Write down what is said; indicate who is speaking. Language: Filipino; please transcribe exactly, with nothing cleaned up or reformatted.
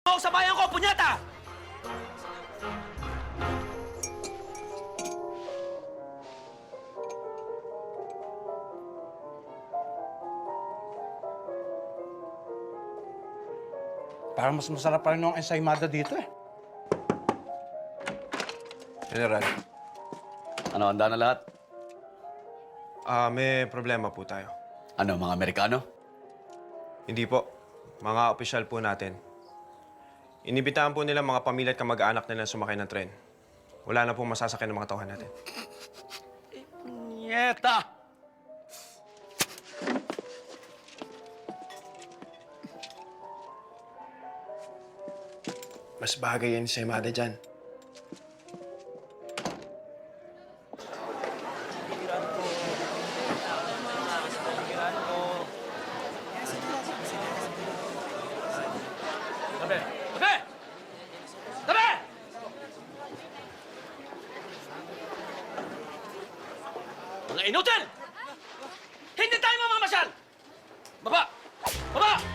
Speaker 1: ako sa bayan ko, punyata!
Speaker 2: Parang mas masarap pa rin yung ensaymada dito eh.
Speaker 3: General,
Speaker 4: Ano, handa na lahat?
Speaker 3: ah may problema po tayo.
Speaker 4: Ano, mga Amerikano?
Speaker 3: Hindi po. Mga opisyal po natin. Inibitahan po nila mga pamilya at kamag-anak nila sumakay ng tren. Wala na pong masasakyan ng mga tauhan natin.
Speaker 4: Nyeta!
Speaker 3: Mas bagay yan sa Imada dyan.
Speaker 1: Tabi! Tabi! Tabi! Mga inutil! Hindi tayo mamamasyal! Baba! Baba!